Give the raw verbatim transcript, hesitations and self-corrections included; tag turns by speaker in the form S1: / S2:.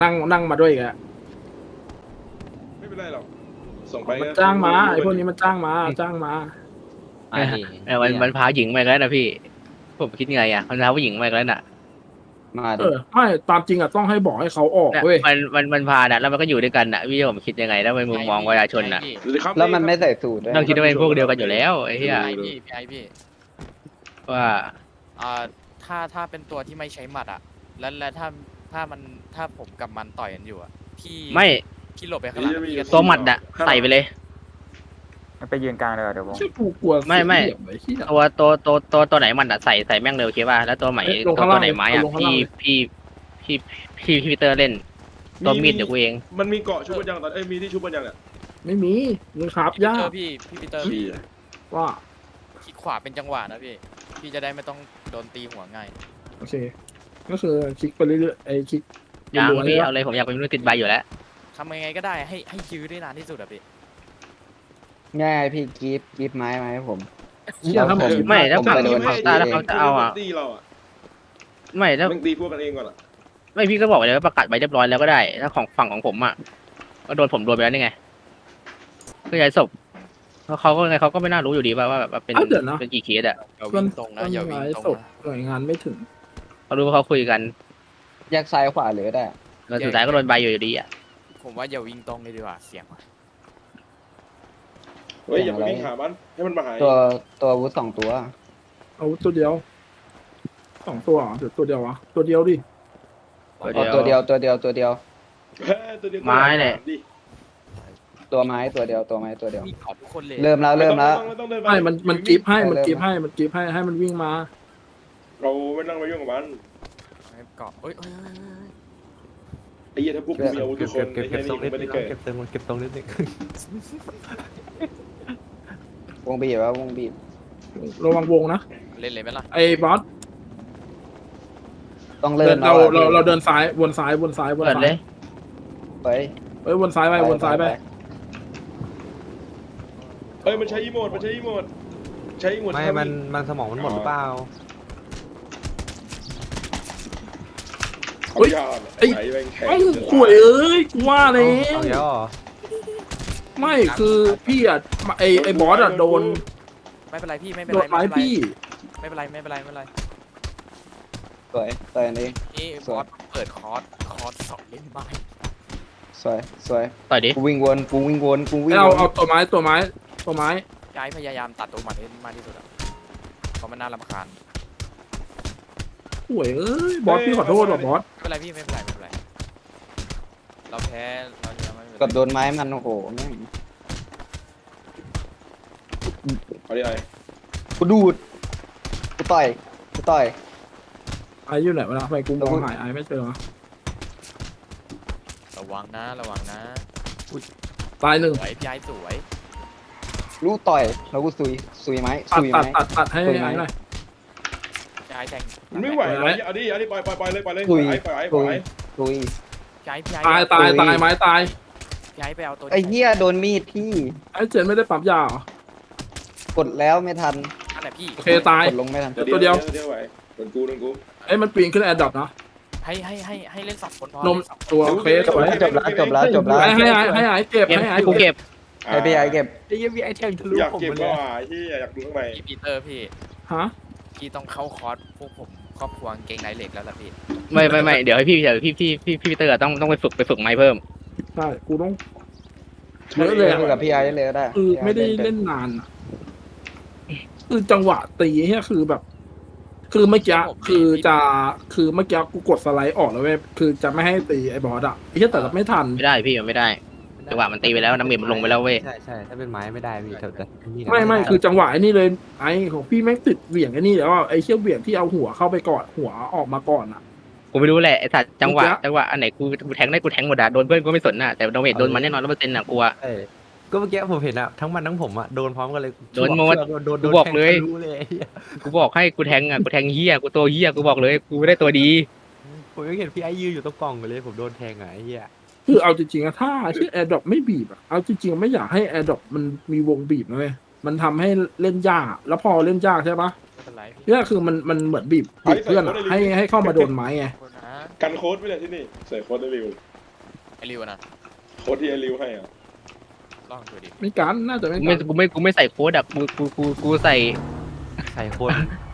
S1: นั่งนั่งมาด้วยแก
S2: ไม่เป็นไรหรอกส่งไป
S1: มันจ้างมาไอ้พวกนี้มันจ้างมาจ้างมา
S3: ไอ้มันมันพาหญิงมาแล้วนะพี่ผมคิดไงอ่ะมันพาผู้หญิงมาแล้วน่ะ
S4: มาดิ
S1: เออไม่ตามจริงอ่ะต้องให้บอกให้เขาออกเว้ย
S3: มันมันมันพาน่ะแล้วมันก็อยู่ด้วยกันน่ะพี่ผมคิดยังไงแล้วในมุมมองประชาชนน่ะ
S4: แล้วมันไม่ใส่สูทด้วย
S3: ต้องคิดว่าเป็นพวกเดียวกันอยู่แล้วไอ้เหี้ย
S5: พี่พี่ไอพี่
S3: ว่า
S5: อ่าถ้าถ้าเป็นตัวที่ไม่ใช้หมัดอ่ะแล้วแล้วถ้าถ้ามันถ้าผมกับมันต่อยกันอยู่อ่ะพี่
S3: ไม่
S5: พี่หลบไปข้างหลังพี่ก็
S3: ตัวหมัดอ่ะใส่ไปเลย
S6: ไปยืนกลางเลยเดี๋ยวผม
S1: ชื่อกูกลัว
S3: ไม่ไม่ตัวตัวตัวตัวตัวไหนมันอ่ะใส่ใส่แม่งเร็วโอเคป่ะแล้วตัวใหม่ตัวตัวไหนไม้อ่ะพี่พี่พี่พี่พี่เตอร์เล่นตัวมีดเดี๋ยวกูเอง
S2: มันมีเกาะชุบปัญญาตอนเอ้ยมีที่ชุบปัญญาเนี่ย
S1: ไม่มีมึงครับยาก
S5: พี่พี่ปีเตอร์
S1: ว่า
S5: คลิกขวาเป็นจังหวะนะพี่พี่จะได้ไม่ต้องโดนตีหัวง่าย
S1: โอเคก็คือคลิกไปเรื่อยๆไอ้คลิก
S3: ยังพี่เอาเลยผมอยากเป็นมนุษย์ติดใบอยู่แล้ว
S5: ทำยังไงก็ได้ให้ให้ยื้อได้นานที่สุดอะพี่
S4: ง่ายพี่กีบกีบไม้มาให้ผม
S3: ไม่แล้วฝั่งฝั่งตาแล้วเขาจะเอาอ่ะไม่แล้ว
S2: มึงตีพวกกันเองก่อนอ่ะ
S3: ไม่พี่ก็บอกเลยว่าประกาศใบเรียบร้อยแล้วก็ได้ถ้าของฝั่งของผมอ่ะก็โดนผมโดนไปแล้วนี่ไงก็ย้ายศพเพราะเขาก็ไงเขาก็ไม่น่ารู้อยู่ดีว่าว่าแบบเป็นเป็นกี่เคสอ่ะ
S5: อย่าวิ่งตรงนะอย่าวิ่งตรง
S1: หน่วยงานไม่ถึง
S3: เขารู้ว่าเขาคุยกัน
S4: แยกซ้ายขวาเลยได้
S3: แล้วสุดท้ายก็โดนใบอยู่ดีอ่ะ
S5: ผมว่าอย่าวิ่งตรงเลยดีกว่าเสียง
S2: เฮ้ยอย่าไปวิ่งหามันให้มันมาหา
S4: ตัวตัวอาวุธสองตัว
S1: อาวุธตัวเดียวสองตัวเดี๋ยวตัวเดียววะตัวเดียวดิ
S4: ตัวเดียวตัวเดียวตัวเดียว
S3: ไม้เนี่ย
S4: ตัวไม้ตัวเดียวตัวไม้ตัวเดียว
S5: มีขอทุกคนเลย
S4: เริ่มแล้วเริ่มแล้ว
S1: ไม่มันมันกีบให้มันกีบให้มันกีบให้ให้มันวิ่งมา
S2: เราไม่ต้องไปยุ่งกับมัน
S5: เกาะเอ้ย
S2: ไอ้เหี้ยถ้าพวกกูมีอาวุธทุกคน
S6: เก็บเก็บตรงนิดนึงเก็บตรงเก็บตรงนิดนึง
S4: วงบีบว่าวงบีบ
S1: ระวังวงนะ
S5: เล่นเลยไหมล่ะ
S1: ไอ้บอส
S4: ต้องเริ่ม
S1: เราเราเราเดินซ้ายวนซ้ายวนซ้ายวนซ้าย
S4: ไป
S1: เอ้ยวนซ้ายไปวนซ้ายไป
S2: เอ้ยมันใช้อีโมดมันใช้อีโมดใช้อีโมด
S6: ไม่มันมันสมองมันหมดหรือเปล่า
S1: เฮ้ยไอ้ไอ้ขวยเอ้ยกูว่าแล้วไม่คือพี่อ่ะไอ้ไอ้บอสอ่ะโดน
S5: ไม่เป็นไรพี่ไม่เป็นไร
S1: ไม้พี่
S5: ไม่เป็นไรไม่เป็นไรไม่เป็นไร
S4: สวยสวยนี่
S5: นี่บอสเปิดคอร์สคอร์สสองเล่นไม้
S4: สวยสวย
S3: ต่อยดิ
S4: กูวิ่งวนกูวิ่งวนกูวิ่ง
S1: เอาเอาตัวไม้ตัวไม้ตัวไม้
S5: ย้ายพยายามตัดตัวมันให้มากที่สุดอ่ะเพราะมันน่ารำคาญ
S1: ห่วยเอ้ยบอสพี่ขอโทษว่ะบอส
S5: ไม่เป็นไรพี่ไม่เป็นไรไม่เป็นไรเราแพ้เราจะไม่
S4: กับโดนไม้มันโอ้โหแม่ง
S2: เอาดิไอ้
S4: กูดูดกูต่อยกูต่อย
S1: ไอ้อยู่ไหนวะนะไปกูมองหายไอ้ไม่เจอ
S5: ระวังนะระวังนะ
S1: ตายหนึ่ง
S5: สวยพี่ไอ้สวย
S4: รู้ต่อยแล้วกูซุยซุยไม้ซุย
S1: ไม้ตัดตัดให้ไอ้หน่อย
S5: พี่ไอ้แทง
S2: ไม่ไหวเลยเอาดิเอาดิปล่อยปล่อยปล่อยเลยปล่อยเลยปล่อยปล่อยปล่อย
S4: ซุย
S5: พี่ไอ้พี่ไอ้
S1: ตายตายตายไม้ตาย
S5: พี่ไอ้ไปเอาตัว
S4: ไอ้เหี้ยโดนมีดพี่
S1: ไอ้เจนไม่ได้ปั๊มยาหร
S4: กดแล้วไม่ทัน
S5: นั่นแหละพี่
S1: โอเคตาย
S4: กดลงไม่ทัน
S1: ตัวเดียว
S2: เดียวไหวโดนกูโดนกู
S1: ไอ้มันปีนขึ้นแอร์ดรอปนะ
S5: ให้ให้ให้ให้เล่นสองคนพอน
S1: มตัวโอเคจบแล้ว
S4: จบแล้วจบแล้วจบแล้ว
S1: ให้ให้ให้ไอ้เก็บให้ไอ้
S3: กูเก็บ
S4: ให้พี่ไอ้เก็บ
S6: ไอ้ยังมีไอแทงทะลุ
S2: อยากเก็บก็ที่อยากดูข้างใน
S5: พี่ปีเตอร์พี่
S1: ฮะ
S5: พี่ต้องเข้าคอร์สพวกผมครอบครัวเก่งไหนเหล็กแล้วล่ะพี่
S3: ไม่ไม่ไม่เดี๋ยวให้พี่เดี๋ยวพี่พี่พี่พี่เตอร์ต้องต้องไปฝึกไปฝึกไม้เพิ่ม
S1: ใช่กูต้อง
S4: เยอะเลยกับพี่ไอ้เลยได้
S1: คือไม่ได้เล่นนานคือจังหวะตีเนี่ยคือแบบคือเมื่อกี้คือจะคือเมื่อกี้กูกดสไลด์ออกแล้วเว้ยคือจะไม่ให้ตีไอ้บอสอ่ะไอ้เหี้ยแต่ไม่ทัน
S3: ไม่ได้พี่มันไม่ได้จังหวะมันตีไปแล้วน้ำเม็ดมันลงไปแล้วเว้ย
S6: ใช่ใช่ถ้าเป็นไม้ไม่ได้พี่เถอะ
S1: ไม่ไม่คือจังหวะไอ้นี่เลยไอ้ของพี่แม่งติดเหวี่ยงไอ้นี่แล้วไอ้เชี่ยเหวี่ยงที่เอาหัวเข้าไปก่อนหัวออกมาก่อนอ่ะ
S3: กูไม่รู้แหละไอ้สัตว์จังหวะจังหวะอันไหนกูกูแทงได้กูแทงหมดอ่ะโดนเพื่อนกูไม่สนอ่ะแต่โดนเม็ดโดนมันแน่นอนร้อยเปอร์เซ็นต์อ่ะกูอ่ะ
S6: ก็เมื่อกี้ผมเห็นอะทั้งมันทั้งผมอะโดนพร้อมกันเลย
S3: โดนหมดกูบอกเลยกูบอกให้กูแทงอ่ะกูแทงเหี้ยกูตัวเหี้ยกูบอกเลยกูไม่ได้ตัวดี
S6: ผมยังเห็นพี่ไอ้ยืนอยู่ตรงกล่องเลยผมโดนแทงอ่ะไอ้เหี้ย
S1: คือเอาจริงๆอะถ้าที่แอร์ดรอปไม่บีบอะเอาจริงๆไม่อยากให้แอร์ดรอปมันมีวงบีบนะเว้ยมันทำให้เล่นยากแล้วพอเล่นยากใช่ปะเนี่ยคือมันมันเหมือนบีบบีบเพื่อนให้ให้เข้ามาโดนไม้ไง
S2: กันโค้ดไปเลยที่นี่ใส่โค้ดได้เร็ว
S5: ไอริวนะ
S2: โค้ดที่ไอริวให้อ่ะ
S5: ลองดูดิ
S1: ไม่กันน่าจะไม่
S3: กู
S1: กั
S3: ไม่
S1: น
S3: กูไม่กูไม่ใส่โค้ดอะกูกูกูกูใส่
S6: ใส่คน